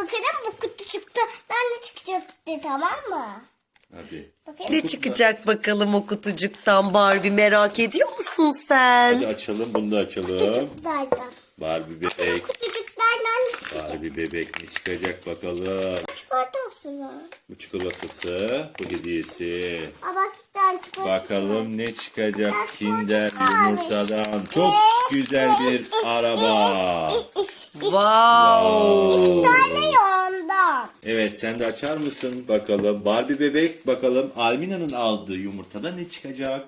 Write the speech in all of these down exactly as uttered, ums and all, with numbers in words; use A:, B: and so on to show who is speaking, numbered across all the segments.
A: Bakalım bu kutucukta ne çıkacak diye, tamam mı?
B: Hadi.
A: Bakayım.
C: Ne çıkacak bakalım o kutucuktan Barbie, merak ediyor musun sen?
B: Hadi açalım, bunu da açalım.
A: Kutucuklardan.
B: Barbie bebek.
A: Kutucuklardan ne çıkacak?
B: Barbie bebek ne çıkacak bakalım.
A: Çikolata mısın o?
B: Bu çikolatası, bu hediyesi.
A: Aa bak bir tane çikolata.
B: Bakalım ne çıkacak Kinder yumurtadan. Çok güzel bir araba.
C: Wow.
A: Bir tane yandan.
B: Evet, sen de açar mısın bakalım. Barbie bebek, bakalım Almina'nın aldığı yumurtada ne çıkacak?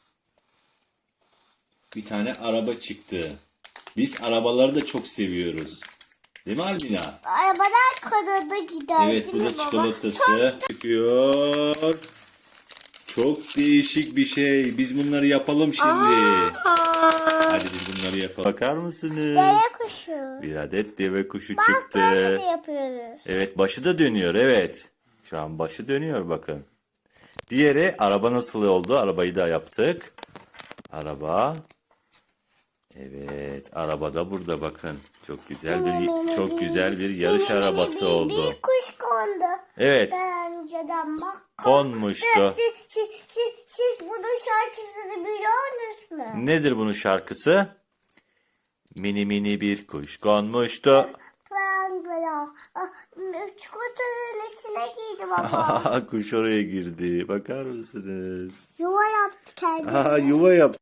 B: Bir tane araba çıktı. Biz arabaları da çok seviyoruz. Değil mi Almina?
A: Arabadan Kanada gider.
B: Evet, bu
A: değil
B: da
A: mi baba?
B: çikolatası. Çıkıyor. Çok değişik bir şey. Biz bunları yapalım şimdi. Hadi biz bunları yapalım. Bakar mısınız?
A: Deve kuşu.
B: Bir adet deve kuşu
A: Bak
B: çıktı.
A: böyle de yapıyoruz.
B: Evet, başı da dönüyor, evet. Şu an başı dönüyor bakın. Diğeri araba nasıl oldu? Arabayı da yaptık. Araba. Evet, araba da burada bakın. Çok güzel bir çok güzel bir yarış arabası
A: bir,
B: oldu.
A: Bir kuş kondu.
B: Evet.
A: Daha önceden bak.
B: Konmuştu.
A: Siz, siz, siz, siz bunun şarkısını biliyor musunuz?
B: Nedir bunun şarkısı? Mini mini bir kuş konmuştu.
A: Ben böyle ah, çikolatanın içine girdi baba.
B: Kuş oraya girdi. Bakar mısınız?
A: Yuva yaptı kendine.
B: Aha, yuva yaptı.